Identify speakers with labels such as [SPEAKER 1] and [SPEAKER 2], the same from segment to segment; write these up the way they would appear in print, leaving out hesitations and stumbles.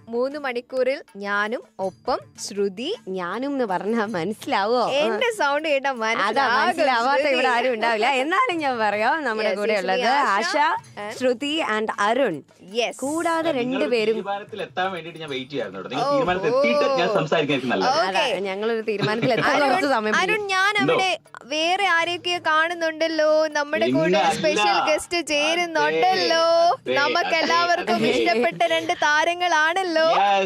[SPEAKER 1] 3 മണിക്കൂറിൽ ഞാനും ഒപ്പം ശ്രുതി.
[SPEAKER 2] ഞാനും എന്ന് പറഞ്ഞാ മനസ്സിലാവോ?
[SPEAKER 1] എന്റെ സൗണ്ട് കേട്ടാ
[SPEAKER 2] മനസ്സിലാവാത്ത ഇവിടെ ആരും ഉണ്ടാവില്ല. എന്നാലും ഞാൻ പറയാം, നമ്മുടെ കൂടെ ഉള്ളത് ആശ, ശ്രുതി ആൻഡ് അരുൺ. കൂടാതെ രണ്ടുപേരും ഞങ്ങളൊരു തീരുമാനത്തിൽ എത്താൻ കുറച്ച് സമയം.
[SPEAKER 1] അരുൺ, ഞാൻ അവിടെ വേറെ ആരെയൊക്കെ കാണുന്നുണ്ടല്ലോ, നമ്മുടെ കൂടെ സ്പെഷ്യൽ ഗസ്റ്റ് ചേരുന്നുണ്ടല്ലോ, നമുക്ക് എല്ലാവർക്കും ഇഷ്ടപ്പെട്ട 2 താരങ്ങളാണല്ലോ.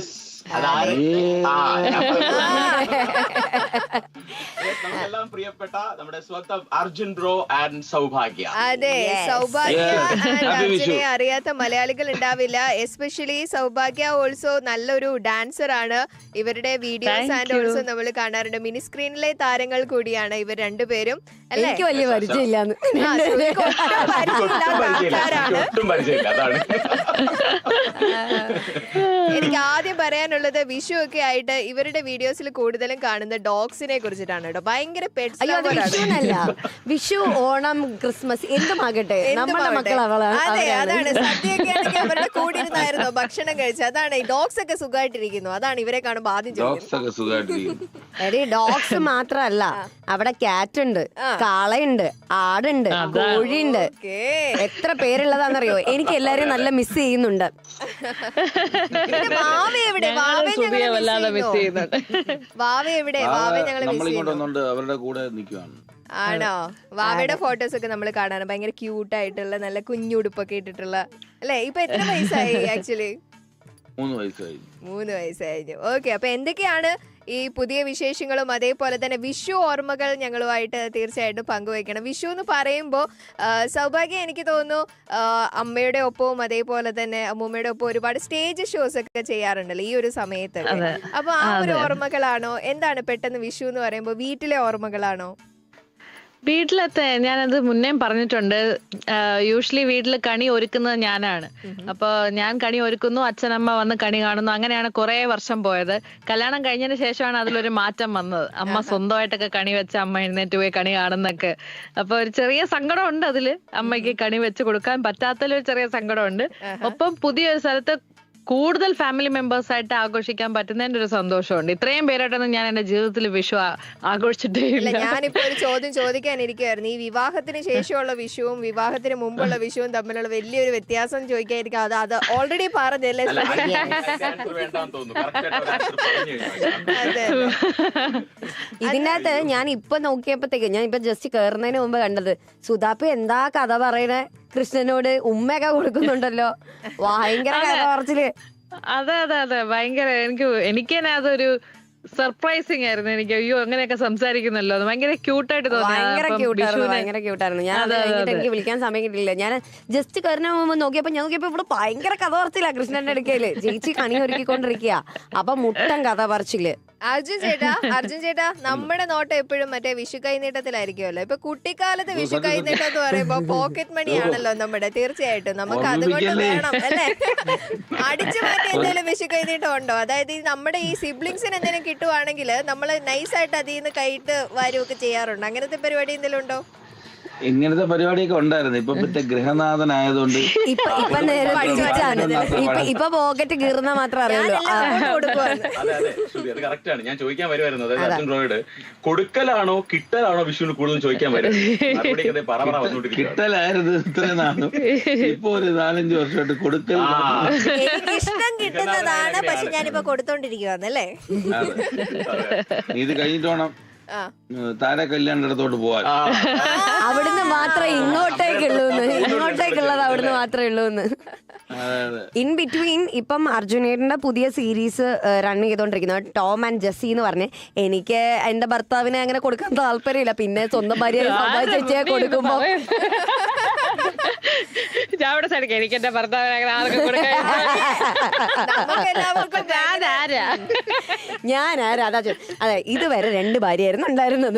[SPEAKER 3] നമുക്കെല്ലാം പ്രിയപ്പെട്ട നമ്മുടെ സ്വന്തം അർജുൻ ബ്രോ ആൻഡ് സൗഭാഗ്യ.
[SPEAKER 1] അതെ, സൗഭാഗ്യ അർജുനെ അറിയാത്ത മലയാളികൾ ഉണ്ടാവില്ല. എസ്പെഷ്യലി സൗഭാഗ്യ ഓൾസോ നല്ലൊരു ഡാൻസർ ആണ്. ഇവരുടെ വീഡിയോസ് ആൻഡ് ഓൾസോ നമ്മൾ കാണാറുണ്ട്. മിനി സ്ക്രീനിലെ താരങ്ങൾ കൂടിയാണ് ഇവർ രണ്ടുപേരും. അല്ലേ?
[SPEAKER 2] എനിക്ക് വലിയ പരിചയമില്ലാന്ന്.
[SPEAKER 1] എനിക്ക് ആദ്യം പറയാനുള്ളത്, വിഷു ഒക്കെ ആയിട്ട് ഇവരുടെ വീഡിയോസിൽ കൂടുതലും കാണുന്ന ഡോഗ്സിനെ കുറിച്ചിട്ടാണ് കേട്ടോ. ഭയങ്കര
[SPEAKER 2] വിഷു, ഓണം, ക്രിസ്മസ് എന്തുമാകട്ടെ നമ്മുടെ മക്കളാണ്.
[SPEAKER 1] അതെ, അതാണ്. സദ്യയൊക്കെ ആണെങ്കിൽ അവരുടെ കൂടെ ഇരുന്നായിരുന്നു ഭക്ഷണം കഴിച്ചത്. അതാണ്, ഈ ഡോഗ്സ് ഒക്കെ സുഖമായിട്ടിരിക്കുന്നു. അതാണ് ഇവരെ കാണുമ്പോൾ ആദ്യം ചോദിക്കുന്നത്.
[SPEAKER 2] ഡോഗ്സ് മാത്രല്ല, അവിടെ ക്യാറ്റ് ഉണ്ട്, കാളയുണ്ട്, ആടുണ്ട്, കോഴിയുണ്ട്. എത്ര പേരുള്ളതാണെന്നറിയോ? എനിക്ക് എല്ലാരെയും നല്ല മിസ് ചെയ്യുന്നുണ്ട്.
[SPEAKER 1] വാവ എവിടെ? വാവ എവിടെ? വാവ ഞങ്ങള് മിസ് ചെയ്യുന്നുണ്ട്.
[SPEAKER 4] അവരുടെ കൂടെ നിൽക്കുവാണ്.
[SPEAKER 1] ആണോ? വാവയുടെ ഫോട്ടോസ് ഒക്കെ നമ്മൾ കാണാറ്. ഭയങ്കര ക്യൂട്ട് ആയിട്ടുള്ള നല്ല കുഞ്ഞുടുപ്പൊക്കെ ഇട്ടിട്ടുള്ള അല്ലെ? ഇപ്പൊ എത്ര വയസ്സായി? ആക്ച്വലി
[SPEAKER 4] 3 വയസ്സായി.
[SPEAKER 1] 3 വയസ്സായിരുന്നു. ഓക്കെ, അപ്പൊ എന്തൊക്കെയാണ് ഈ പുതിയ വിശേഷങ്ങളും അതേപോലെ തന്നെ വിഷു ഓർമ്മകൾ ഞങ്ങളുമായിട്ട് തീർച്ചയായിട്ടും പങ്കുവയ്ക്കണം. വിഷു എന്ന് പറയുമ്പോൾ സൗഭാഗ്യം, എനിക്ക് തോന്നുന്നു അമ്മയുടെ ഒപ്പവും അതേപോലെ തന്നെ അമ്മൂമ്മയുടെ ഒപ്പം ഒരുപാട് സ്റ്റേജ് ഷോസ് ഒക്കെ ചെയ്യാറുണ്ടല്ലോ ഈ ഒരു സമയത്ത്. അപ്പൊ ആ ഒരു ഓർമ്മകളാണോ? എന്താണ് പെട്ടെന്ന് വിഷു എന്ന് പറയുമ്പോൾ വീട്ടിലെ ഓർമ്മകളാണോ?
[SPEAKER 5] വീട്ടിലത്തെ ഞാനത് മുന്നേ പറഞ്ഞിട്ടുണ്ട്. യൂഷ്വലി വീട്ടിൽ കണി ഒരുക്കുന്നത് ഞാനാണ്. അപ്പൊ ഞാൻ കണി ഒരുക്കുന്നു, അച്ഛനമ്മ വന്ന് കണി കാണുന്നു. അങ്ങനെയാണ് കുറെ വർഷം പോയത്. കല്യാണം കഴിഞ്ഞതിന് ശേഷമാണ് അതിലൊരു മാറ്റം വന്നത്. അമ്മ സ്വന്തമായിട്ടൊക്കെ കണി വെച്ച് അമ്മ എഴുന്നേറ്റ് പോയി കണി കാണുന്നൊക്കെ. അപ്പൊ ഒരു ചെറിയ സങ്കടം ഉണ്ട് അതില്. അമ്മയ്ക്ക് കണി വെച്ച് കൊടുക്കാൻ പറ്റാത്തതിലൊരു ചെറിയ സങ്കടമുണ്ട്. ഒപ്പം പുതിയൊരു സ്ഥലത്ത് കൂടുതൽ ഫാമിലി മെമ്പേഴ്സ് ആയിട്ട് ആഘോഷിക്കാൻ പറ്റുന്നതിന്റെ ഒരു സന്തോഷമുണ്ട്. ഇത്രയും പേരായിട്ടൊന്നും ഞാൻ എന്റെ ജീവിതത്തിൽ വിഷു ആഘോഷിച്ചിട്ടേ ഇല്ല.
[SPEAKER 1] ഞാനിപ്പോ ഒരു ചോദ്യം ചോദിക്കാനിരിക്കുവായിരുന്നു. ഈ വിവാഹത്തിന് ശേഷമുള്ള വിഷുവും വിവാഹത്തിന് മുമ്പുള്ള വിഷുവും തമ്മിലുള്ള വലിയൊരു വ്യത്യാസം ചോദിക്കാതിരിക്കും. അത് ഓൾറെഡി പറഞ്ഞല്ലേ?
[SPEAKER 2] ഇതിനകത്ത് ഞാൻ ഇപ്പൊ നോക്കിയപ്പോഴത്തേക്ക്, ഞാൻ ഇപ്പൊ ജസ്റ്റ് കേറുന്നതിന് മുമ്പ് കണ്ടത്, സുധാപ്പ് എന്താ കഥ പറയണേ കൃഷ്ണനോട് ഉമ്മയൊക്കെ കൊടുക്കുന്നുണ്ടല്ലോ. ഭയങ്കര കഥ പറച്ചില്.
[SPEAKER 5] അതെ അതെ അതെ, ഭയങ്കര എനിക്ക് തന്നെ അതൊരു സർപ്രൈസിങ് ആയിരുന്നു. എനിക്ക് അയ്യോ അങ്ങനെയൊക്കെ സംസാരിക്കുന്നല്ലോ, ഭയങ്കര ക്യൂട്ടായിട്ട് തോന്നി.
[SPEAKER 2] ഭയങ്കര ക്യൂട്ടായിരുന്നു. ഞാൻ എനിക്ക് വിളിക്കാൻ സമയം കിട്ടില്ല. ഞാൻ ജസ്റ്റ് കയറിന് മുമ്പ് നോക്കിയപ്പോ ഇവിടെ ഭയങ്കര കഥ പറച്ചില്ല കൃഷ്ണന്റെ അടുക്കയില്. ചേച്ചി കണി ഒരുക്കിക്കൊണ്ടിരിക്കുക. അപ്പൊ മുട്ടൻ കഥ പറച്ചില്.
[SPEAKER 1] അർജുൻ ചേട്ടാ, നമ്മുടെ നോട്ടം എപ്പോഴും മറ്റേ വിഷു കൈനീട്ടത്തിലായിരിക്കുമല്ലോ. ഇപ്പൊ കുട്ടിക്കാലത്ത് വിഷു കൈനീട്ടം എന്ന് പറയുമ്പോ പോക്കറ്റ് മണി ആണല്ലോ നമ്മുടെ. തീർച്ചയായിട്ടും നമുക്ക് അതുകൊണ്ട് വേണം അല്ലെ അടിച്ചു മാറ്റി എന്തെങ്കിലും വിഷു കൈനീട്ടം ഉണ്ടോ? അതായത് നമ്മുടെ ഈ സിബ്ലിങ്സിന് എന്തെങ്കിലും കിട്ടുവാണെങ്കിൽ നമ്മള് നൈസായിട്ട് അതിൽ നിന്ന് കൈയിട്ട് വാരുമൊക്കെ ചെയ്യാറുണ്ട്. അങ്ങനത്തെ പരിപാടി എന്തെങ്കിലും ഉണ്ടോ?
[SPEAKER 4] ഇങ്ങനത്തെ പരിപാടിയൊക്കെ ഉണ്ടായിരുന്നു. ഇപ്പൊ മറ്റേ ഗൃഹനാഥനായതുകൊണ്ട്
[SPEAKER 2] ഇപ്പൊ പോക്കറ്റ് കീറുന്ന മാത്രം അറിയുള്ളൂ.
[SPEAKER 3] അത് കറക്റ്റ് ആണ്. ഞാൻ ചോദിക്കാൻ വരുമായിരുന്നു, അതായത് അർജുൻ റോയോട് കൊടുക്കലാണോ കിട്ടലാണോ വിഷുവിന് കൂടുതൽ ചോദിക്കാൻ വരുന്നത്?
[SPEAKER 4] കിട്ടലായിരുന്നു ഇത്രയും നാളും. ഇപ്പൊ ഒരു 4-5 വർഷമായിട്ട് കൊടുക്കൽ.
[SPEAKER 1] ഇഷ്ടം കിട്ടുന്നതാണ്, പക്ഷെ ഞാനിപ്പോ കൊടുത്തോണ്ടിരിക്കുവാന്നല്ലേ.
[SPEAKER 4] ഇത് കഴിഞ്ഞിട്ട് വേണം താര കല്യാണത്തോട്ട് പോവാൻ.
[SPEAKER 2] അവിടുന്ന് മാത്രമേ ഇങ്ങോട്ടേക്കുള്ളത് അവിടുന്ന് മാത്രമേ ഉള്ളൂന്ന്. ഇൻ ബിറ്റ്വീൻ ഇപ്പം അർജുനേട്ടന്റെ പുതിയ സീരീസ് റൺ ചെയ്തോണ്ടിരിക്കുന്നത് ടോം ആൻഡ് ജെസ്സി എന്ന് പറഞ്ഞ്. എനിക്ക് എന്റെ ഭർത്താവിനെ അങ്ങനെ കൊടുക്കാൻ താല്പര്യമില്ല. പിന്നെ സ്വന്തം ഭാര്യ ചേച്ചിയെ കൊടുക്കുമ്പോ
[SPEAKER 5] എനിക്ക് എന്റെ ഭർത്താവിനെ
[SPEAKER 2] ഞാൻ ആരാ? അതെ, ഇതുവരെ 2 ഭാര്യയായിരുന്നു ഉണ്ടായിരുന്നത്.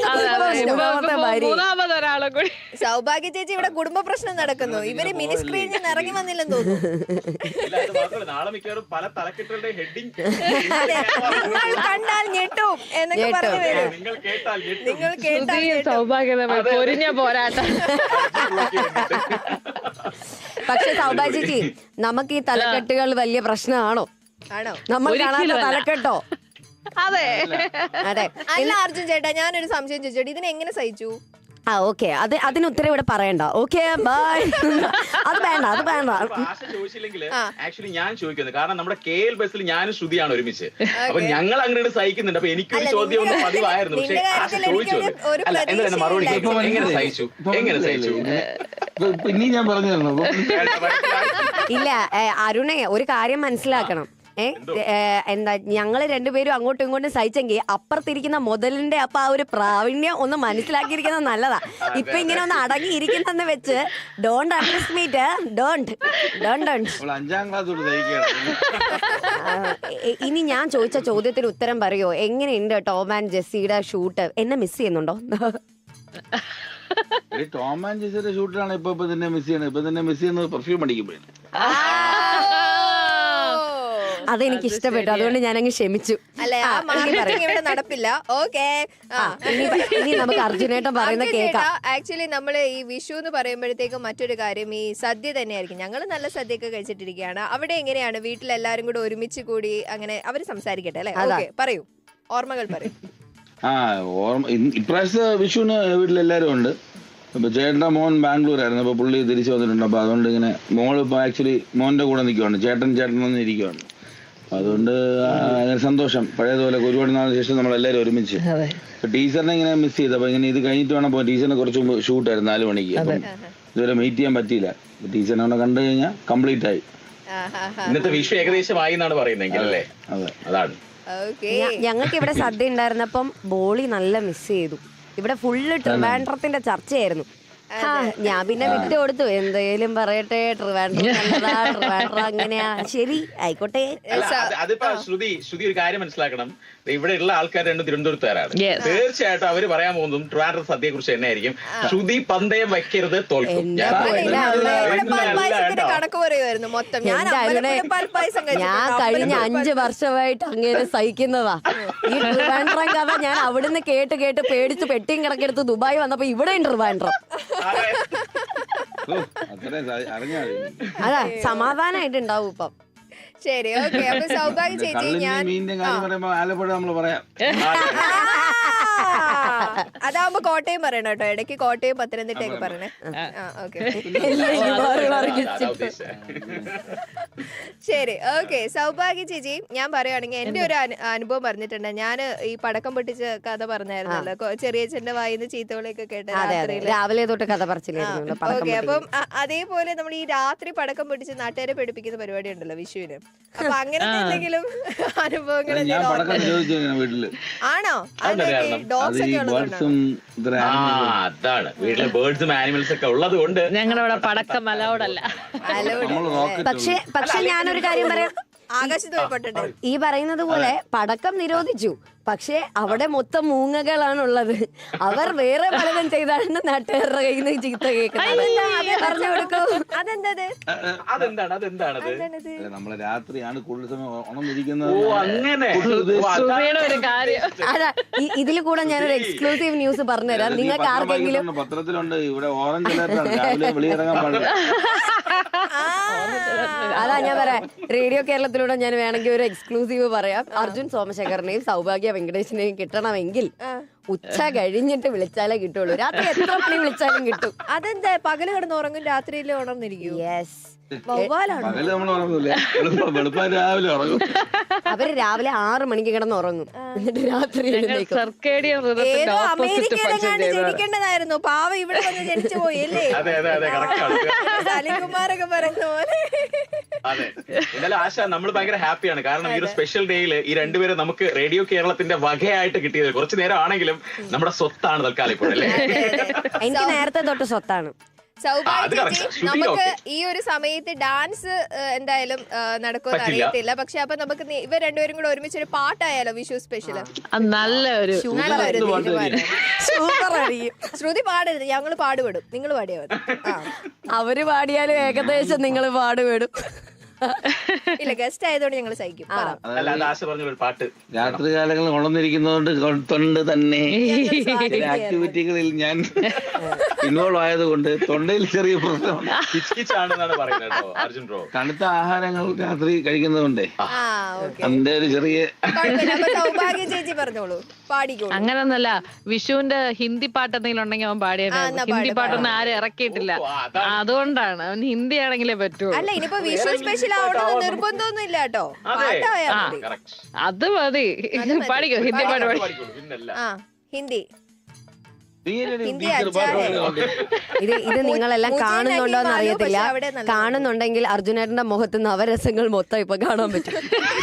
[SPEAKER 1] സൗഭാഗ്യ ചേച്ചി ഇവിടെ കുടുംബ പ്രശ്നം നടക്കുന്നു. ഇവര് മിനി സ്ക്രീനിൽ നിന്ന് ഇറങ്ങി വന്നില്ലെന്ന് തോന്നുന്നു.
[SPEAKER 3] നാളെ മിക്കവാറും പല തലക്കെട്ടുകളുടെ ഹെഡിങ്
[SPEAKER 1] നിങ്ങൾ കണ്ടാൽ ഞെട്ടും എന്നൊക്കെ പറഞ്ഞു വരും. നിങ്ങൾ കേട്ടാൽ
[SPEAKER 5] സൗഭാഗ്യത പൊരിഞ്ഞ പോരാട്ടം.
[SPEAKER 2] പക്ഷെ സൗഭാഗ്യ ചേച്ചി, നമുക്ക് ഈ തലക്കെട്ടുകൾ വലിയ പ്രശ്നമാണോ?
[SPEAKER 1] ആണോ?
[SPEAKER 2] നമ്മൾ കാണാത്ത
[SPEAKER 5] ഒരിക്കലുമല്ല.
[SPEAKER 2] തലക്കെട്ടോ.
[SPEAKER 5] അതെ
[SPEAKER 2] അതെ.
[SPEAKER 1] അല്ല അർജുൻ ചേട്ടാ, ഞാനൊരു സംശയം ചോദിച്ചോട്ടെ, ഇതിനെ എങ്ങനെ സഹിച്ചു?
[SPEAKER 2] ഓക്കെ, അതിന് ഉത്തരം ഇവിടെ പറയണ്ട. Okay bye. അത് വേണ്ട, അത് വേണ്ട.
[SPEAKER 3] ആശ ചോദിച്ചില്ലെങ്കില് ആക്ച്വലി ഞാൻ ചോദിക്കുന്നത്, കാരണം നമ്മുടെ KL ബസ്സിൽ ഞാനും ശ്രുതിയാണ് ഒരുമിച്ച്. അപ്പൊ ഞങ്ങൾ അങ്ങോട്ട് സഹിക്കുന്നുണ്ട്. അപ്പൊ എനിക്കൊരു ചോദ്യം ഒന്ന് പതിവായിരുന്നു, പക്ഷെ ആശ ചോദിച്ചു അല്ല എന്താ മറുപടി എങ്ങനെ സഹിച്ചു, എങ്ങനെ സഹിച്ചു?
[SPEAKER 4] പിന്നെ ഞാൻ പറഞ്ഞു തരണോ?
[SPEAKER 2] ഇല്ല അരുണേ, ഒരു കാര്യം മനസ്സിലാക്കണം. എന്താ ഞങ്ങള് രണ്ടുപേരും അങ്ങോട്ടും ഇങ്ങോട്ടും സഹിച്ചെങ്കിൽ അപ്പുറത്തിരിക്കുന്ന മുതലിന്റെ അപ്പൊ ആ ഒരു പ്രാവീണ്യം ഒന്ന് മനസ്സിലാക്കിയിരിക്കുന്നത് നല്ലതാ. ഇപ്പൊ ഇങ്ങനെ ഒന്ന് അടങ്ങിയിരിക്കുന്നെന്ന് വെച്ച് ഡോണ്ട് അണ്ടർസ്റ്റിമേറ്റ്. ഡോണ്ട്.
[SPEAKER 4] 5ാം ക്ലാസ് തൊട്ട് സഹിക്കുകയാണ്.
[SPEAKER 2] ഇനി ഞാൻ ചോദിച്ച ചോദ്യത്തിന് ഉത്തരം പറയോ? എങ്ങനെയുണ്ട് ടോം ആൻഡ് ജെസ്സിയുടെ ഷൂട്ട്? എന്നെ മിസ് ചെയ്യുന്നുണ്ടോ?
[SPEAKER 4] ടോം ആൻഡ് ജെസ്സിയുടെ ഷൂട്ടിലാണ് ഇപ്പൊ തന്നെ മിസ് ചെയ്യണത്. ഇപ്പൊ തന്നെ മിസ് ചെയ്യുന്നത് പെർഫ്യൂം അടിക്കുമ്പോഴാണ്.
[SPEAKER 2] അതെനിക്ക് ഇഷ്ടപ്പെട്ടു, അതുകൊണ്ട് ഞാൻ അങ്ങ് ക്ഷമിച്ചു.
[SPEAKER 1] അല്ലെ ആ മാർക്കറ്റിംഗ് ഇവിടെ നടപ്പില്ല. ഓക്കെ,
[SPEAKER 2] ഇനി നമുക്ക് അർജുനേട്ടൻ പറയുന്ന കേൾക്കാം.
[SPEAKER 1] ആക്ച്വലി നമ്മള് ഈ വിഷു എന്ന് പറയുമ്പോഴത്തേക്കും മറ്റൊരു കാര്യം ഈ സദ്യ തന്നെയായിരിക്കും. ഞങ്ങൾ നല്ല സദ്യയൊക്കെ കഴിച്ചിട്ടിരിക്കുകയാണ്. അവിടെ എങ്ങനെയാണ് വീട്ടിലെല്ലാരും കൂടെ ഒരുമിച്ച് കൂടി അങ്ങനെ അവര് സംസാരിക്കട്ടെ അല്ലെ? ഓക്കെ, പറയൂ, ഓർമ്മകൾ പറയൂ.
[SPEAKER 4] ഇപ്രാവശ്യത്തെ വിഷുവിന് വീട്ടിലെല്ലാരും ഉണ്ട്. ഇപ്പൊ ചേട്ടൻ്റെ മോൻ ബാംഗ്ലൂർ ആയിരുന്നു, അപ്പൊ പുള്ളി തിരിച്ചു വന്നിട്ടുണ്ട്. അപ്പൊ അതുകൊണ്ട് ഇങ്ങനെ മോള് ഇപ്പൊ ആക്ച്വലി മോന്റെ കൂടെ നിൽക്കുവാണ്, ചേട്ടൻ വന്ന് ഇരിക്കുവാണ്. അതുകൊണ്ട് സന്തോഷം. പഴയതുപോലെ ഒരുപാട് നാളിന് ശേഷം നമ്മളെല്ലാവരും ഒരുമിച്ച്. ടീച്ചറിനെ ഇങ്ങനെ മിസ് ചെയ്ത്, അപ്പൊ ഇങ്ങനെ ഇത് കഴിഞ്ഞിട്ട് വേണം പോകാൻ. ടീച്ചറിനെ കുറച്ച് മുമ്പ് ഷൂട്ടായിരുന്നു 4 മണിക്ക്. അപ്പം ഇതുവരെ മീറ്റ് ചെയ്യാൻ പറ്റിയില്ല. ടീച്ചറിനെ അവിടെ കണ്ടു കഴിഞ്ഞാൽ കംപ്ലീറ്റ് ആയി.
[SPEAKER 3] ഇന്നത്തെ വിഷു ഏകദേശമായി എന്നാണ് പറയുന്നെങ്കിൽ അല്ലേ? അതാണ്.
[SPEAKER 2] ഞങ്ങൾക്ക് ഇവിടെ സദ്യ ഉണ്ടായിരുന്നപ്പം ബോളി നല്ല മിസ് ചെയ്തു. ഇവിടെ ഫുള്ള് ട്രിവാൻഡ്രത്തിന്റെ ചർച്ചയായിരുന്നു. ഞാൻ പിന്നെ വിട്ടു കൊടുത്തു, എന്തേലും പറയട്ടെ, ട്രിവാൻഡ്രം അങ്ങനെയാ, ശരി ആയിക്കോട്ടെ.
[SPEAKER 3] അതിപ്പോ ശ്രുതി ഒരു കാര്യം മനസ്സിലാക്കണം. ഇവിടെ ഉള്ള ആൾക്കാർ രണ്ടും തിരുവനന്തപുരത്തുകാരാണ്. തീർച്ചയായിട്ടും അവര് പറയാൻ പോകുന്നതും ട്രിവാൻഡ്രം സദ്യയെ കുറിച്ച് തന്നെയായിരിക്കും. ശ്രുതി പന്തയം വയ്ക്കരുത്, തോൽക്കും.
[SPEAKER 1] കണക്ക് പറയുമായിരുന്നു മൊത്തം. ഞാൻ
[SPEAKER 2] കഴിഞ്ഞ 5 വർഷമായിട്ട് അങ്ങനെ സഹിക്കുന്നതാ ഈ ട്രിവാൻഡ്രം കഥ. ഞാൻ അവിടുന്ന് കേട്ട് പേടിച്ച് പെട്ടിയും കിടക്കെടുത്ത് ദുബായ് വന്നപ്പോ ഇവിടെ ട്രിവാൻഡ്രം. അതാ സമാധാനായിട്ടുണ്ടാവും ഇപ്പം.
[SPEAKER 1] ശരി, ഓക്കെ. അപ്പൊ സൗഭാഗ്യ ചേച്ചി, ഞാൻ
[SPEAKER 4] ആലപ്പുഴ നമ്മള് പറയാം.
[SPEAKER 1] അതാവുമ്പോ കോട്ടയം പറയണം കേട്ടോ, ഇടയ്ക്ക് കോട്ടയം പത്തനംതിട്ടയൊക്കെ പറയണേ. ശരി, ഓക്കെ. സൗഭാഗ്യ ചേച്ചി, ഞാൻ പറയുകയാണെങ്കിൽ എന്റെ ഒരു അനുഭവം പറഞ്ഞിട്ടുണ്ട്. ഞാൻ ഈ പടക്കം പൊട്ടിച്ച കഥ പറഞ്ഞായിരുന്നല്ലോ, ചെറിയച്ഛന്റെ വായിന്ന് ചീത്തവിളിയൊക്കെ കേട്ട
[SPEAKER 2] രാവിലെ തൊട്ട് കഥ പറച്ചില്ലായിരുന്നു.
[SPEAKER 1] ഓക്കെ, അപ്പം അതേപോലെ നമ്മൾ ഈ രാത്രി പടക്കം പൊട്ടിച്ച് നാട്ടുകാരെ പഠിപ്പിക്കുന്ന പരിപാടി ഉണ്ടല്ലോ വിഷുവിന്. അപ്പൊ അങ്ങനത്തെ എന്തെങ്കിലും അനുഭവങ്ങൾ ആണോ?
[SPEAKER 3] അതാണ്, വീട്ടിലെ ബേർഡ്സും ആനിമൽസ് ഒക്കെ ഉള്ളത് കൊണ്ട്
[SPEAKER 5] ഞങ്ങളുടെ പടക്കം അലൗഡല്ല.
[SPEAKER 2] പക്ഷെ ഞാനൊരു കാര്യം പറയാം.
[SPEAKER 1] ആകാശത്ത് പോയിട്ടെ
[SPEAKER 2] ഈ പറയുന്നത് പോലെ പടക്കം നിരോധിച്ചു, പക്ഷെ അവിടെ മൊത്തം മൂങ്ങകളാണുള്ളത്. അവർ വേറെ പലതും ചെയ്താണ് നാട്ടുകാരുടെ കയ്യിൽ നിന്ന് ചീത്ത കേൾക്കുന്നത്. പറഞ്ഞു കൊടുക്കൂ,
[SPEAKER 3] അതെന്താണ്
[SPEAKER 4] നമ്മളെ രാത്രിയാണ് കൂടുതൽ സമയം ഉണർന്നിരിക്കുന്നത്.
[SPEAKER 2] അതാ ഇതിൽ കൂടെ ഞാനൊരു എക്സ്ക്ലൂസീവ് ന്യൂസ് പറഞ്ഞുതരാം. നിങ്ങൾക്ക് ആർക്കെങ്കിലും
[SPEAKER 4] പത്രത്തിലുണ്ട്, ഇവിടെ ഓറഞ്ച് അലർട്ടാണ്, രാവിലെ വെളിയിറങ്ങാൻ പാടില്ല.
[SPEAKER 2] അതാ ഞാൻ പറയാം, റേഡിയോ കേരളത്തിലൂടെ ഞാൻ വേണമെങ്കിൽ ഒരു എക്സ്ക്ലൂസീവ് പറയാം. അർജുൻ സോമശേഖരനെയും സൗഭാഗ്യ വെങ്കടേശനെയും കിട്ടണമെങ്കിൽ ഉച്ച കഴിഞ്ഞിട്ട് വിളിച്ചാലേ കിട്ടുള്ളൂ. രാത്രി എത്ര മണി വിളിച്ചാലും കിട്ടും.
[SPEAKER 1] അതെന്താ? പകല് കിടന്ന് ഉറങ്ങും, രാത്രിയിൽ ഉണർന്നിരിക്കും.
[SPEAKER 2] യെസ്, അവര് രാവിലെ 6 മണിക്ക് കിടന്ന് ഉറങ്ങും, എന്നിട്ട് രാത്രി
[SPEAKER 1] ഏതോ അമേരിക്കയിലെങ്ങാണ്ട് ജനിക്കേണ്ടതായിരുന്നു. പാവ ഇവിടെ വന്ന് ജനിച്ചു പോയി അല്ലേ? സലികുമാരൊക്കെ പറയുന്ന പോലെ.
[SPEAKER 3] അതെ, എന്നാലും ആശ, നമ്മൾ ഭയങ്കര ഹാപ്പിയാണ്. കാരണം ഈ ഒരു സ്പെഷ്യൽ ഡേയിൽ ഈ രണ്ടുപേരും നമുക്ക് റേഡിയോ കേരളത്തിന്റെ വകയായിട്ട് കിട്ടിയത് കുറച്ചു നേരം ആണെങ്കിലും നമ്മുടെ സ്വത്താണ് തൽക്കാലം ഇപ്പോൾ അല്ലേ?
[SPEAKER 2] എനിക്ക് നേരത്തെ തൊട്ട് സ്വത്താണ്.
[SPEAKER 1] സൗഭാഗ്യ ചേച്ചി, നമുക്ക് ഈ ഒരു സമയത്ത് ഡാൻസ് എന്തായാലും നടക്കുമെന്ന് അറിയത്തില്ല. പക്ഷെ അപ്പൊ നമുക്ക് ഇവർ രണ്ടുപേരും കൂടെ ഒരുമിച്ച് ഒരു പാട്ടായാലോ വിഷു സ്പെഷ്യൽ?
[SPEAKER 5] നല്ലൊരു
[SPEAKER 2] സൂപ്പർ ആയിരിക്കും.
[SPEAKER 1] ശ്രുതി പാടരുത്, ഞങ്ങള് പാടുപെടും, നിങ്ങൾ പാടിയാ മതി.
[SPEAKER 2] അവര് പാടിയാലും ഏകദേശം നിങ്ങൾ പാടുപെടും.
[SPEAKER 1] ഇല്ല ഗസ്റ്റ് ആയതുകൊണ്ട് ഞങ്ങൾ സഹിക്കും.
[SPEAKER 3] അല്ല അത് ആശ പറഞ്ഞ ഒരു പാട്ട്.
[SPEAKER 4] രാത്രി കാലങ്ങളിൽ ഉണർന്നിരിക്കുന്നതുകൊണ്ട് തൊണ്ട് തന്നെ ചില ആക്ടിവിറ്റികളിൽ ഞാൻ ഇൻവോൾവ് ആയതുകൊണ്ട് തൊണ്ടയിൽ ചെറിയ പ്രശ്നമുണ്ട്.
[SPEAKER 3] കിച്ചാണെന്നാണ് പറയുന്നത് കേട്ടോ അർജുൻ ബ്രോ.
[SPEAKER 4] തണുത്ത ആഹാരങ്ങൾ രാത്രി കഴിക്കുന്നതുകൊണ്ടേ അതിന്റെ ഒരു ചെറിയ
[SPEAKER 1] സൗഭാഗ്യ ചേച്ചി പറഞ്ഞോളൂ, പാടിക്കോളൂ.
[SPEAKER 5] അങ്ങനൊന്നല്ല, വിഷുവിന്റെ ഹിന്ദി പാട്ട് എന്തെങ്കിലും ഉണ്ടെങ്കിൽ അവൻ പാടിയാണ്. ഹിന്ദി പാട്ടൊന്നും ആരും ഇറക്കിയിട്ടില്ല, അതുകൊണ്ടാണ് അവൻ ഹിന്ദി ആണെങ്കിലേ പറ്റൂ.
[SPEAKER 1] അല്ല ഇനിയിപ്പോ വിഷു സ്പെഷ്യൽ ആവണമെന്ന് നിർബന്ധമൊന്നും ഇല്ല കേട്ടോ, പാട്ടായാ മതി.
[SPEAKER 5] അത് മതി, പാടിക്കോ ഹിന്ദി പാട്ട് പാടി.
[SPEAKER 1] ആ ഹിന്ദി
[SPEAKER 2] ഇത് നിങ്ങളെല്ലാം കാണുന്നുണ്ടോ എന്ന് അറിയത്തില്ല. കാണുന്നുണ്ടെങ്കിൽ അർജുനേട്ടന്റെ മുഖത്ത് നവരസങ്ങൾ മൊത്തം ഇപ്പൊ കാണാൻ പറ്റും.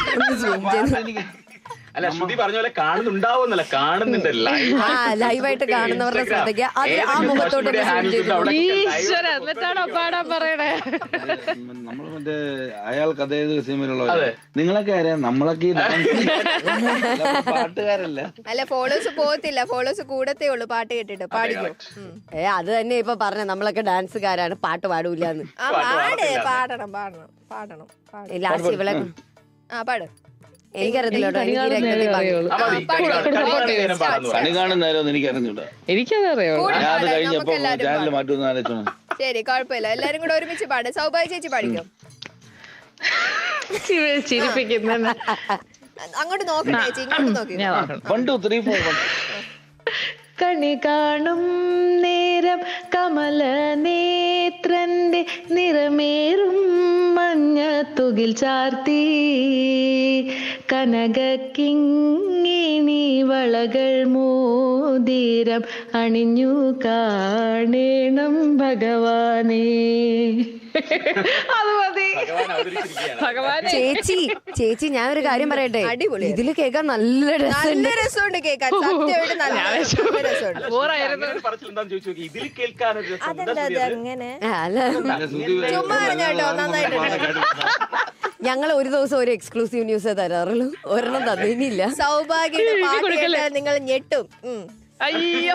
[SPEAKER 3] അല്ല ശ്രുതി പറഞ്ഞ പോലെ കാണുന്നുണ്ടാവുന്നല്ല, കാണുന്നുണ്ട്
[SPEAKER 2] ലൈവായിട്ട് കാണുന്നവരുടെ ശ്രദ്ധയ്ക്ക് അത് ആ മുഖത്തോട്ട്
[SPEAKER 5] എന്നിട്ടാണോ പാടാൻ പറയണേ?
[SPEAKER 4] നമ്മള് മറ്റേ അയാൾക്ക് അതേ സിനിമയിലുള്ള നിങ്ങളൊക്കെ അറിയാം, നമ്മളൊക്കെ പാട്ടുകാരല്ല.
[SPEAKER 1] അല്ല ഫോളോസ് പോകത്തില്ല, ഫോളോസ് കൂടത്തേ ഉള്ളൂ പാട്ട് കേട്ടിട്ട്. പാടിക്കോ.
[SPEAKER 2] അത് തന്നെ ഇപ്പൊ പറഞ്ഞ നമ്മളൊക്കെ ഡാൻസുകാരാണ്, പാട്ട് പാടൂലെന്ന്.
[SPEAKER 1] പാടണം പാടണം പാടണം.
[SPEAKER 2] ലാസ്റ്റ് ഇവളെ
[SPEAKER 1] പാട്.
[SPEAKER 2] എനിക്കറിയത്തില്ല
[SPEAKER 4] കണി കാണുന്ന നേരം എനിക്കറിഞ്ഞൂടാ.
[SPEAKER 5] എനിക്കതറിയോ?
[SPEAKER 4] ഞാൻ അത് കഴിഞ്ഞപ്പോ ചാനൽ മാറ്റുമെന്ന് ആലോചിച്ചോണം.
[SPEAKER 1] ശരി കുഴപ്പമില്ല, എല്ലാരും കൂടെ ഒരുമിച്ച് പാട്. സൗഭാഗ്യ ചേച്ചി പാടിക്കോ.
[SPEAKER 5] ചിരിപ്പിക്കുന്ന
[SPEAKER 1] അങ്ങോട്ട് നോക്കണേ ചേച്ചി, ഇങ്ങോട്ട് നോക്കി.
[SPEAKER 4] 1 2 3 4
[SPEAKER 5] കണി കാണും നേരം കമല നേത്രന്റെ നിറമേറും മഞ്ഞ തുകിൽ ചാർത്തി കനക കിങ്ങിണി വളകൾ മോതിരം അണിഞ്ഞു കാണേണം ഭഗവാനേ. അത് മതി. ഭഗവാൻ
[SPEAKER 2] ചേച്ചി ഞാനൊരു കാര്യം പറയട്ടെ,
[SPEAKER 1] അടിപൊളി.
[SPEAKER 2] ഇതില് കേൾക്കാൻ നല്ല
[SPEAKER 1] രസമുണ്ട് കേൾക്കാൻ, സത്യമായിട്ട് നല്ല രസമുണ്ട്.
[SPEAKER 3] ഇതിൽ കേൾക്കാനൊരു
[SPEAKER 1] അങ്ങനെ
[SPEAKER 2] ചുമ്മാ കേട്ടോ, നന്നായിട്ടുണ്ട്. ഞങ്ങൾ ഒരു ദിവസം ഒരു എക്സ്ക്ലൂസീവ് ന്യൂസ് തരാറുള്ളൂ, ഒരെണ്ണം തന്നില്ല.
[SPEAKER 1] സൗഭാഗ്യയുടെ പാട്ട് കേട്ടാൽ നിങ്ങൾ ഞെട്ടും.
[SPEAKER 5] അയ്യോ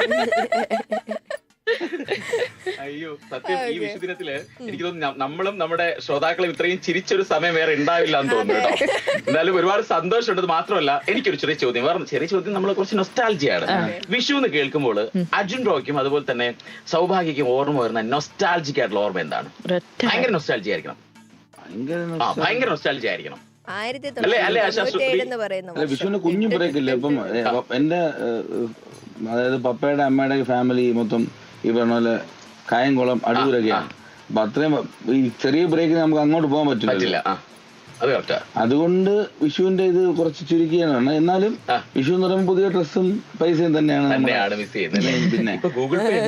[SPEAKER 3] അയ്യോ സത്യം, ഈ വിഷുദിനത്തില് എനിക്ക് തോന്നുന്നു നമ്മളും നമ്മുടെ ശ്രോതാക്കളും ഇത്രയും ചിരിച്ചൊരു സമയം വേറെ ഉണ്ടാവില്ല എന്ന് തോന്നുന്നു കേട്ടോ. എന്നാലും ഒരുപാട് സന്തോഷമുണ്ട്. മാത്രമല്ല എനിക്കൊരു ചെറിയ ചോദ്യം, വേറെ ചെറിയ ചോദ്യം, നമ്മളെ കുറച്ച് നൊസ്റ്റാൾജിയാണ്. വിഷു എന്ന് കേൾക്കുമ്പോൾ അർജുൻ റോയ്ക്കും അതുപോലെ തന്നെ സൗഭാഗ്യക്കും ഓർമ്മ വരുന്ന നൊസ്റ്റാൾജിക് ആയിട്ടുള്ള ഓർമ്മ എന്താണ്? ഭയങ്കര നൊസ്റ്റാൾജി ആയിരിക്കണം, ഭയങ്കര നൊസ്റ്റാൾജി ആയിരിക്കണം.
[SPEAKER 4] വിഷുവിന് കുഞ്ഞു ബ്രേക്കില്ലേ ഇപ്പം എന്റെ, അതായത് പപ്പയുടെ അമ്മയുടെ ഫാമിലി മൊത്തം ഈ പറഞ്ഞ പോലെ കായംകുളം അടൂരൊക്കെയാണ്. അപ്പൊ അത്രയും ഈ ചെറിയ ബ്രേക്കിന് നമുക്ക് അങ്ങോട്ട് പോകാൻ പറ്റില്ല. അതുകൊണ്ട് വിഷുവിന്റെ ഇത് കുറച്ച് ചുരുക്കിയാണ്. എന്നാലും വിഷു എന്ന് പറയുമ്പോൾ പുതിയ ഡ്രസ്സും പൈസയും തന്നെയാണ്. പിന്നെ
[SPEAKER 3] ഗൂഗിൾ പേ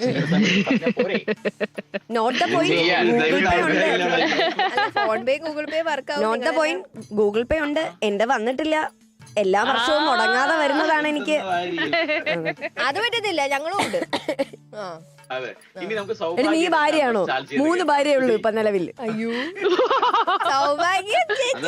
[SPEAKER 2] ഗൂഗിൾ പേ ഉണ്ട്, എന്റെ വന്നിട്ടില്ല. എല്ലാ വർഷവും മുടങ്ങാതെ വരുന്നതാണ് എനിക്ക്.
[SPEAKER 1] അത് പറ്റത്തില്ല, ഞങ്ങളും ഉണ്ട്.
[SPEAKER 2] നീ ഭാര്യയാണോ? 3 ഭാര്യയേ ഉള്ളൂ ഇപ്പൊ നിലവിൽ.
[SPEAKER 1] അയ്യോ സൗഭാഗ്യം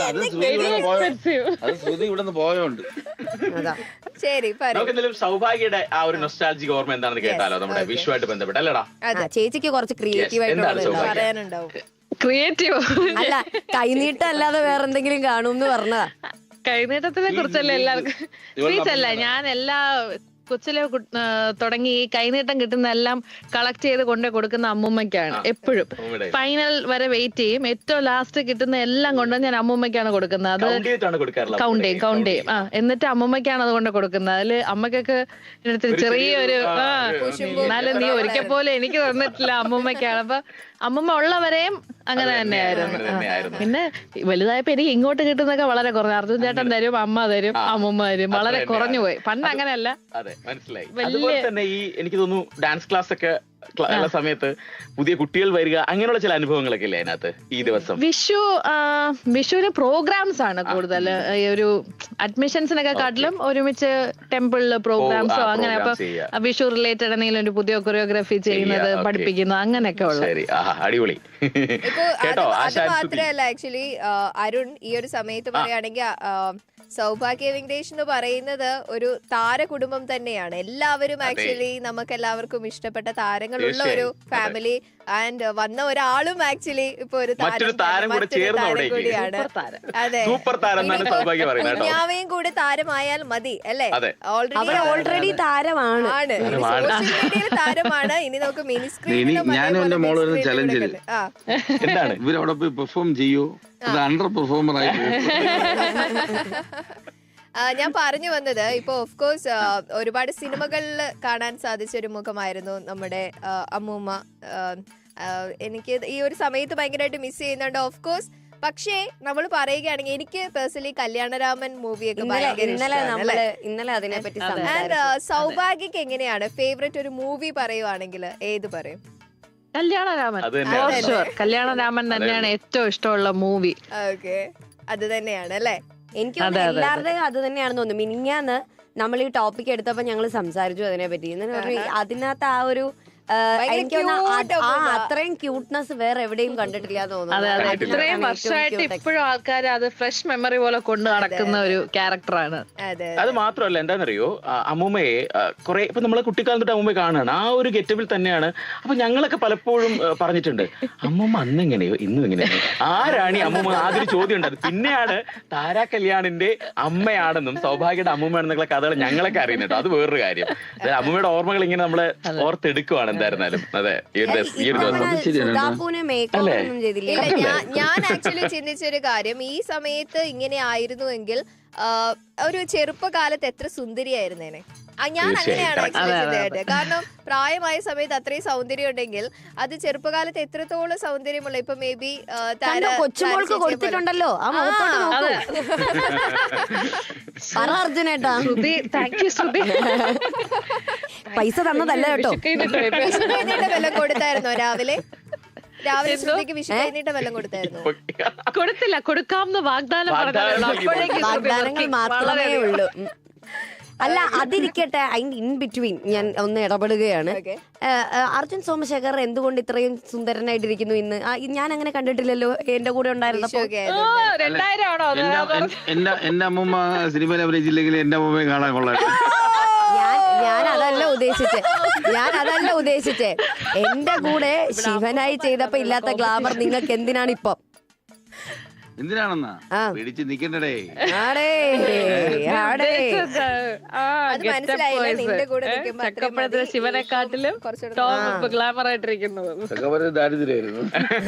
[SPEAKER 4] പോയോണ്ട്.
[SPEAKER 1] ശരി
[SPEAKER 3] സൗഭാഗ്യയുടെ ആ ഒരു നൊസ്റ്റാൾജിക് ഓർമ്മ എന്താണെന്ന് കേട്ടാലോ, നമ്മുടെ വിഷുവായിട്ട് ബന്ധപ്പെട്ട് അല്ലടാ?
[SPEAKER 2] ചേച്ചിക്ക് കുറച്ച് ക്രിയേറ്റീവ് ആയിട്ട്
[SPEAKER 1] പറയാനുണ്ടാവും.
[SPEAKER 5] ക്രിയേറ്റീവ്
[SPEAKER 2] അല്ല, കൈനീട്ടം അല്ലാതെ വേറെന്തെങ്കിലും കാണുമെന്ന് പറഞ്ഞതാ.
[SPEAKER 5] കൈനീട്ടത്തിനെ കുറിച്ചല്ല എല്ലാവർക്കും സ്വീറ്റ്സ് അല്ല, ഞാൻ എല്ലാ കൊച്ചിലെ തുടങ്ങി ഈ കൈനീട്ടം കിട്ടുന്ന എല്ലാം കളക്ട് ചെയ്ത് കൊണ്ടു കൊടുക്കുന്ന അമ്മൂമ്മയ്ക്കാണ്. എപ്പോഴും ഫൈനൽ വരെ വെയിറ്റ് ചെയ്യും, ഏറ്റവും ലാസ്റ്റ് കിട്ടുന്ന എല്ലാം കൊണ്ട് ഞാൻ അമ്മൂമ്മയ്ക്കാണ് കൊടുക്കുന്നത്. അത് കൗണ്ട് ചെയ്യും. എന്നിട്ട് അമ്മൂമ്മയ്ക്കാണ് അത് കൊണ്ട് കൊടുക്കുന്നത്. അതില് അമ്മക്കൊക്കെ ചെറിയൊരു എന്നാലും നീ ഒരിക്കൽ പോലെ എനിക്ക് തന്നിട്ടില്ല, അമ്മൂമ്മയ്ക്കാണ്. അപ്പൊ അമ്മൂമ്മ ഉള്ളവരെയും അങ്ങനെ തന്നെയായിരുന്നു. പിന്നെ വലുതായപ്പോ എനിക്ക് ഇങ്ങോട്ട് കിട്ടുന്നൊക്കെ വളരെ കുറഞ്ഞു. അർജുൻ ചേട്ടൻ തരും, അമ്മ തരും, അമ്മൂമ്മ തരും, വളരെ കുറഞ്ഞു പോയി. പണ്ട് അങ്ങനെയല്ല.
[SPEAKER 3] മനസ്സിലായി. അതുപോലെ തന്നെ ഈ എനിക്ക് തോന്നുന്നു ഡാൻസ് ക്ലാസ് ഒക്കെ ഉള്ള സമയത്ത് പുതിയ കുട്ടികൾ വരിക, അങ്ങനെയുള്ള ചില അനുഭവങ്ങളൊക്കെ ഇല്ലേ അതിനകത്ത് ഈ ദിവസം?
[SPEAKER 5] വിഷുവിന് പ്രോഗ്രാംസ് ആണ് കൂടുതൽ. ഒരു അഡ്മിഷൻസിനൊക്കെ കാട്ടിലും ഒരുമിച്ച് ടെമ്പിളില് പ്രോഗ്രാംസോ അങ്ങനെ. അപ്പൊ വിഷു റിലേറ്റഡ് എന്തെങ്കിലും ഒരു പുതിയ കൊറിയോഗ്രാഫി ചെയ്യുന്നത്, പഠിപ്പിക്കുന്നത്, അങ്ങനെയൊക്കെ ഉള്ളത്.
[SPEAKER 3] അടിപൊളി.
[SPEAKER 1] അത് മാത്രമല്ല, ആക്ച്വലി അരുൺ ഈ ഒരു സമയത്ത് പറയുകയാണെങ്കിൽ സൗഭാഗ്യ വെങ്കടേഷ് എന്ന് പറയുന്നത് ഒരു താര കുടുംബം തന്നെയാണ്. എല്ലാവരും ആക്ച്വലി നമുക്ക് എല്ലാവർക്കും ഇഷ്ടപ്പെട്ട താരങ്ങളുള്ള ഒരു ഫാമിലി. ആൻഡ് വന്ന ഒരാളും ആക്ച്വലി ഇപ്പൊ ഒരു താരം കൂടിയാണ്. അതെ, കുഞ്ഞാവയും കൂടെ താരമായാൽ മതി അല്ലെ?
[SPEAKER 2] ഓൾറെഡി താരമാണ്.
[SPEAKER 1] സോഷ്യൽ മീഡിയയിൽ താരമാണ്. ഇനി നമുക്ക് മിനി സ്ക്രീനിലും
[SPEAKER 4] ഇവരവിടെ പോയി പെർഫോം ചെയ്യൂ, അണ്ടർ പെർഫോമർ ആയിട്ട്.
[SPEAKER 1] ഞാൻ പറഞ്ഞു വന്നത് ഇപ്പൊ ഓഫ് കോഴ്സ് ഒരുപാട് സിനിമകളിൽ കാണാൻ സാധിച്ച ഒരു മുഖമായിരുന്നു നമ്മുടെ അമ്മൂമ്മ. എനിക്ക് ഈ ഒരു സമയത്ത് ഭയങ്കരമായിട്ട് മിസ് ചെയ്യുന്നുണ്ട് ഓഫ് കോഴ്സ്. പക്ഷേ നമ്മൾ പറയുകയാണെങ്കിൽ എനിക്ക് പേഴ്സണലി കല്യാണരാമൻ മൂവിയൊക്കെ
[SPEAKER 2] ഇന്നലെ അതിനെ പറ്റി.
[SPEAKER 1] ആൻഡ് സൗഭാഗ്യക്ക് എങ്ങനെയാണ് ഫേവറേറ്റ് ഒരു മൂവി പറയുവാണെങ്കിൽ ഏത് പറയും?
[SPEAKER 5] കല്യാണരാമൻ. കല്യാണരാമൻ തന്നെയാണ് ഏറ്റവും ഇഷ്ടമുള്ള മൂവി.
[SPEAKER 1] ഓക്കെ, അത് തന്നെയാണ് അല്ലേ?
[SPEAKER 2] എനിക്ക് എല്ലാവരുടെയും അത് തന്നെയാണെന്ന് തോന്നുന്നു. മിനിഞ്ഞാന്ന് നമ്മൾ ഈ ടോപ്പിക് എടുത്തപ്പോ ഞങ്ങൾ സംസാരിച്ചു അതിനെ പറ്റി. അതിനകത്ത് ആ ഒരു അത്രയും ക്യൂട്ട്നെസ് വേറെ എവിടെയും കണ്ടിട്ടില്ല തോന്നുന്നു.
[SPEAKER 5] ഇത്രയും വർഷമായിട്ട് ഇപ്പോഴും ആൾക്കാർ അത് ഫ്രഷ് മെമ്മറി പോലെ കൊണ്ട് നടക്കുന്ന ഒരു ക്യാരക്ടറാണ്.
[SPEAKER 3] അത് മാത്രമല്ല, എന്താണെന്നറിയോ, അമ്മൂമ്മയെ കുറെ ഇപ്പൊ നമ്മളെ കുട്ടിക്കാലം തൊട്ട് അമ്മൂമ്മയെ കാണുകയാണ് ആ ഒരു ഗെറ്റപ്പിൽ തന്നെയാണ്. അപ്പൊ ഞങ്ങളൊക്കെ പലപ്പോഴും പറഞ്ഞിട്ടുണ്ട്, അമ്മൂമ്മ അന്ന് എങ്ങനെയോ ഇന്നും എങ്ങനെയോ ആരാണ് ഈ അമ്മൂമ്മ? ആദ്യം ചോദ്യം ഉണ്ടായത്. പിന്നെയാണ് താരാ കല്യാണിന്റെ അമ്മയാണെന്നും സൗഭാഗ്യയുടെ അമ്മൂമ്മയാണെന്നുള്ള കഥകൾ ഞങ്ങളൊക്കെ അറിയുന്നുണ്ട്. അത് വേറൊരു കാര്യം. അമ്മൂമ്മയുടെ ഓർമ്മകൾ ഇങ്ങനെ നമ്മളെ ഓർത്തെടുക്കുവാണ് എന്തായിരുന്നാലും. അതെ,
[SPEAKER 1] ഞാൻ ആക്ച്വലി ചിന്തിച്ചൊരു കാര്യം, ഈ സമയത്ത് ഇങ്ങനെ ആയിരുന്നുവെങ്കിൽ ഒരു ചെറുപ്പകാലത്ത് എത്ര സുന്ദരിയായിരുന്നേനെ. ഞാൻ അങ്ങനെയാണ് ആക്ച്വലി ചിന്തയായിട്ട്. കാരണം പ്രായമായ സമയത്ത് അത്രയും സൗന്ദര്യം ഉണ്ടെങ്കിൽ അത് ചെറുപ്പകാലത്ത് എത്രത്തോളം സൗന്ദര്യമുള്ള ഇപ്പൊ മേ ബി
[SPEAKER 2] കൊച്ചുമോൾക്ക് കൊടുത്തിട്ടുണ്ടല്ലോ. പൈസ തന്നതല്ല കേട്ടോ.
[SPEAKER 1] വെള്ളം കൊടുത്തായിരുന്നോ രാവിലെ? രാവിലെ ശ്രുതിക്ക് വിഷു കഴിഞ്ഞിട്ട് വെള്ളം കൊടുത്തായിരുന്നു?
[SPEAKER 5] കൊടുത്തില്ല, കൊടുക്കാമെന്ന്
[SPEAKER 2] വാഗ്ദാനങ്ങൾ മാത്രമേ ഉള്ളൂ. അല്ല, അതിരിക്കട്ടെ, അതിന്റെ ഇൻ ബിറ്റ്വീൻ ഞാൻ ഒന്ന് ഇടപെടുകയാണ്. അർജുൻ സോമശേഖർ എന്തുകൊണ്ട് ഇത്രയും സുന്ദരനായിട്ടിരിക്കുന്നു ഇന്ന്? ഞാൻ അങ്ങനെ കണ്ടിട്ടില്ലല്ലോ എന്റെ കൂടെ ഉണ്ടായിരുന്നപ്പോ.
[SPEAKER 4] എന്റെ അമ്മൂമ്മ സിനിമയിൽ അഭിനയിച്ചില്ലെങ്കിൽ എന്റെ അമ്മൂമ്മയെ കാണാൻ കൊള്ളാം.
[SPEAKER 2] ഞാൻ അതല്ല ഉദ്ദേശിച്ചേ. എന്റെ കൂടെ ശിവനായി ചെയ്തപ്പോ ഇല്ലാത്ത ഗ്ലാമർ നിങ്ങൾക്ക് എന്തിനാണ് ഇപ്പൊ?
[SPEAKER 4] എന്തിനാണെന്നാ പിടിച്ച് നിക്കണ്ടേ?
[SPEAKER 5] ശിവനെക്കാട്ടിലും ഗ്ലാമർ ആയിട്ടിരിക്കുന്നത്
[SPEAKER 4] ദാരിദ്ര്യായിരുന്നു.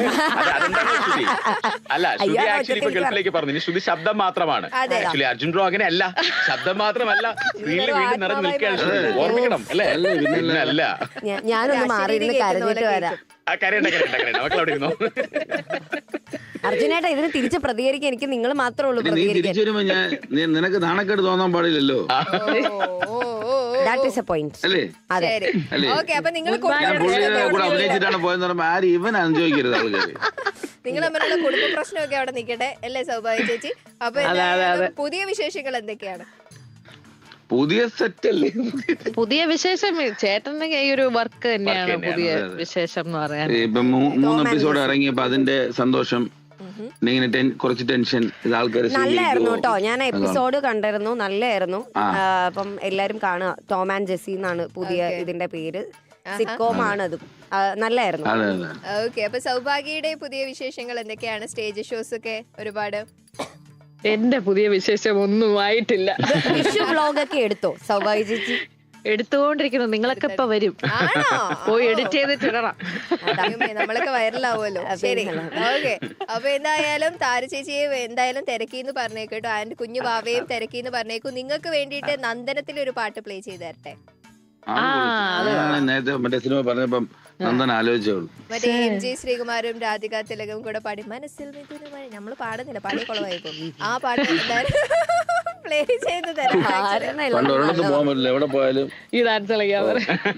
[SPEAKER 3] അല്ല, ശ്രുതി ആക്ച്വലി ഇപ്പൊ ഗൾഫിലേക്ക് പറഞ്ഞു. ശ്രുതി ശബ്ദം മാത്രമാണ്. ആക്ച്വലി അർജുൻ ബ്രോ അങ്ങനെ അല്ല, ശബ്ദം മാത്രമല്ല, സ്ക്രീനിൽ വീണ്ടും നിറഞ്ഞു നിൽക്കുകയാണ്. ഓർമ്മിക്കണം അല്ലേ? അല്ല,
[SPEAKER 2] ഞാനൊന്ന് മാറിയിരുന്ന് കരഞ്ഞിട്ട് വരാം.
[SPEAKER 3] മക്കളവിടെ ഇരുന്നോ.
[SPEAKER 2] അർജുനേട്ടാ, ഇതിന് തിരിച്ച് പ്രതികരിക്കാൻ എനിക്ക് നിങ്ങൾ മാത്രമേ ഉള്ളൂ.
[SPEAKER 4] തിരിച്ചു വരുമ്പോ നിനക്ക് നാണക്കേട് തോന്നാൻ പാടില്ലല്ലോ.
[SPEAKER 2] That is a point.
[SPEAKER 4] അല്ലേ?
[SPEAKER 2] അതെ.
[SPEAKER 4] ഞാൻ പുള്ളിയുടെ കൂടെ അഭിനയിച്ചിട്ടാണ് പോയെന്ന് പറയുമ്പോ ആരും ഇവൻ അനുഭവിക്കരുത് ആൾക്കാര്.
[SPEAKER 1] നിങ്ങൾ തമ്മിലുള്ള കുടുംബ പ്രശ്നമൊക്കെ അവിടെ നിൽക്കട്ടെ അല്ലേ സൗഭാഗ്യ ചേച്ചി? അപ്പൊ പുതിയ വിശേഷങ്ങൾ എന്തൊക്കെയാണ്?
[SPEAKER 4] പുതിയ സെറ്റ് അല്ലേ?
[SPEAKER 5] പുതിയ വിശേഷം ചേട്ടന്റെ ഈ ഒരു വർക്ക് തന്നെയാണ് പുതിയ വിശേഷം എന്ന് പറയാൻ.
[SPEAKER 4] ഇപ്പൊ 3 എപ്പിസോഡ് ഇറങ്ങിയപ്പോ അതിന്റെ സന്തോഷം, കുറച്ച് ടെൻഷൻ,
[SPEAKER 2] നല്ലായിരുന്നു കേട്ടോ. ഞാൻ എപ്പിസോഡ് കണ്ടിരുന്നു, നല്ലായിരുന്നു. അപ്പം എല്ലാരും കാണുക. ടോം ആൻഡ് ജെസ്സി എന്നാണ് പുതിയ ഇതിന്റെ പേര്. സിറ്റ്കോം ആണ് അത്. നല്ലായിരുന്നു.
[SPEAKER 1] ഓക്കെ, അപ്പൊ സൗഭാഗ്യയുടെ പുതിയ വിശേഷങ്ങൾ എന്തൊക്കെയാണ്? സ്റ്റേജ് ഷോസ് ഒക്കെ ഒരുപാട്.
[SPEAKER 5] എന്റെ പുതിയ വിശേഷം ഒന്നും ആയിട്ടില്ല.
[SPEAKER 2] വിഷു വ്ലോഗ് ഒക്കെ എടുത്തോ സൗഭാഗ്യ ചേച്ചി?
[SPEAKER 5] എടുത്തുകൊണ്ടിരിക്കുന്നു. നിങ്ങളൊക്കെ ഇപ്പൊ വരും, പോയി എഡിറ്റ് ചെയ്തിട്ടിടണം.
[SPEAKER 1] നമ്മളൊക്കെ വൈറലാവുമല്ലോ. ശരി, ഓക്കെ. അപ്പൊ എന്തായാലും താര ചേച്ചിയെ എന്തായാലും തിരക്കിന്ന് പറഞ്ഞേക്കട്ടോ. ആൻഡ് കുഞ്ഞു ബാവയും തിരക്കിന്ന് പറഞ്ഞേക്കും. നിങ്ങൾക്ക് വേണ്ടിയിട്ട് നന്ദനത്തിൽ ഒരു പാട്ട് പ്ലേ ചെയ്ത് തരട്ടെ?
[SPEAKER 4] നേരത്തെ മറ്റേ സിനിമ പറഞ്ഞപ്പം നന്ദൻ ആലോചിച്ചോളൂ.
[SPEAKER 1] മറ്റേ MG ശ്രീകുമാരും രാധിക തിലകവും കൂടെ പാടി മനസ്സിൽ മിഥുനമായി. നമ്മള് പാടുന്നില്ല, പാടിയ കുളമായിപ്പോ. ആ പാട്ട് പ്ലേ ചെയ്ത് തരാം.
[SPEAKER 4] പോകാൻ പറ്റില്ല, എവിടെ പോയാലും
[SPEAKER 5] ഈ ഡാൻസ് കളിക്കാൻ.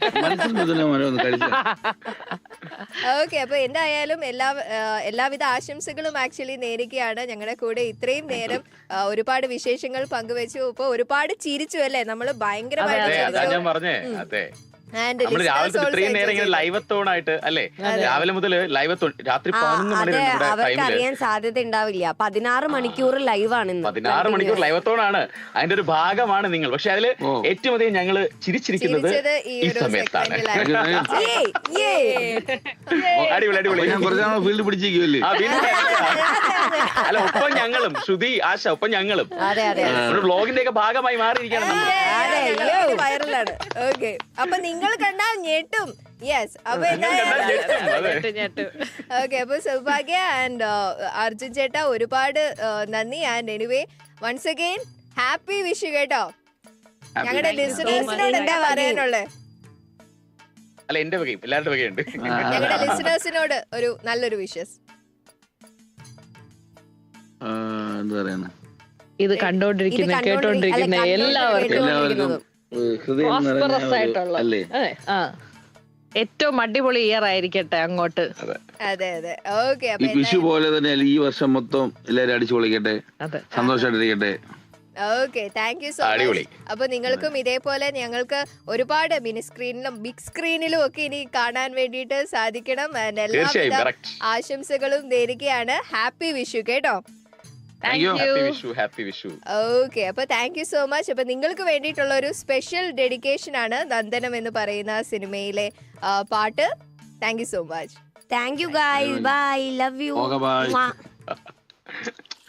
[SPEAKER 1] ഓക്കെ, അപ്പൊ എന്തായാലും എല്ലാവിധ ആശംസകളും ആക്ച്വലി നേരുകയാണ്. ഞങ്ങളുടെ കൂടെ ഇത്രയും നേരം ഒരുപാട് വിശേഷങ്ങൾ പങ്കുവെച്ചു. ഇപ്പൊ ഒരുപാട് ചിരിച്ചു അല്ലേ? നമ്മള് ഭയങ്കരമായിട്ട് ആൻഡ്
[SPEAKER 3] നമ്മള് രാവിലത്തെ ഇത്രയും നേരം ഇങ്ങനെ ലൈവത്തോണായിട്ട് അല്ലേ, രാവിലെ മുതൽ ലൈവത്തോൺ രാത്രി 11 മണി വരെ നമ്മുടെ
[SPEAKER 2] അവർക്ക്
[SPEAKER 3] ടൈമില്
[SPEAKER 2] അറിയാൻ സാധ്യത ഉണ്ടാവില്ല. 16 മണിക്കൂർ ലൈവാണ്
[SPEAKER 3] 16 മണിക്കൂർ ലൈവത്തോണാണ്. അതിന്റെ ഒരു ഭാഗമാണ് നിങ്ങൾ. പക്ഷെ അതില് ഏറ്റവും അധികം ഞങ്ങള് ചിരിച്ചിരിക്കുന്നത് ഈ സമയത്താണ്. അടിപൊളി അടിപൊളി.
[SPEAKER 4] ഞാൻ കുറച്ചാണ് ഫീൽഡ് പിടിച്ചിരിക്കുമല്ലേ.
[SPEAKER 3] അല്ല, ഒപ്പം ഞങ്ങളും ശ്രുതി ആശ ഒപ്പം ഞങ്ങളും ഒരു വ്ളോഗിന്റെ ഒക്കെ ഭാഗമായി മാറിയിരിക്കണം നമ്മൾ.
[SPEAKER 1] വൈറലാണ്. ഓക്കെ, അപ്പൊ നിങ്ങൾ കണ്ടാൽ ഞെട്ടും. യെസ്, അപ്പൊ ഓക്കെ, അപ്പൊ സൗഭാഗ്യ ആൻഡ് അർജുൻ ചേട്ടാ ഒരുപാട് നന്ദി. And anyway once again happy Vishu കേട്ടോ. ഞങ്ങളുടെ ലിസണേഴ്സിനോട് എന്താ പറയാനുള്ളത്?
[SPEAKER 3] അല്ല, എന്റെ വകയും എല്ലാവരുടെ വകയുണ്ട്.
[SPEAKER 1] ഞങ്ങളുടെ ലിസണേഴ്സിനോട് ഒരു നല്ലൊരു വിഷസ്.
[SPEAKER 4] എന്താ പറയാ,
[SPEAKER 5] ഇത് കണ്ടോണ്ടിരിക്കുന്ന കേട്ടോണ്ടിരിക്കുന്ന എല്ലാവർക്കും പ്രോസ്പെറസ് ആയിട്ടുള്ള ഏറ്റവും അടിപൊളി ഇയർ ആയിരിക്കട്ടെ അങ്ങോട്ട്.
[SPEAKER 1] അതെ അതെ. ഓക്കെ,
[SPEAKER 4] ഈ വിഷു പോലെ തന്നെ ഈ വർഷം മൊത്തം എല്ലാരും അടിച്ചു പൊളിക്കട്ടെ, സന്തോഷമായിട്ടിരിക്കട്ടെ.
[SPEAKER 1] Okay, thank you so much. അപ്പൊ നിങ്ങൾക്കും ഇതേപോലെ ഞങ്ങൾക്ക് ഒരുപാട് മിനി സ്ക്രീനിലും ബിഗ് സ്ക്രീനിലും ഒക്കെ ഇനി കാണാൻ വേണ്ടിയിട്ട് സാധിക്കണം. എല്ലാവിധ ആശംസകളും നേരുകയാണ്. ഹാപ്പി വിഷു കേട്ടോ. ഓക്കെ, അപ്പൊ താങ്ക് യു സോ മച്ച്. അപ്പൊ നിങ്ങൾക്ക് വേണ്ടിയിട്ടുള്ള ഒരു സ്പെഷ്യൽ ഡെഡിക്കേഷൻ ആണ് നന്ദനം എന്ന് പറയുന്ന സിനിമയിലെ പാട്ട്. Thank you so much.
[SPEAKER 2] Thank you guys, bye, love U.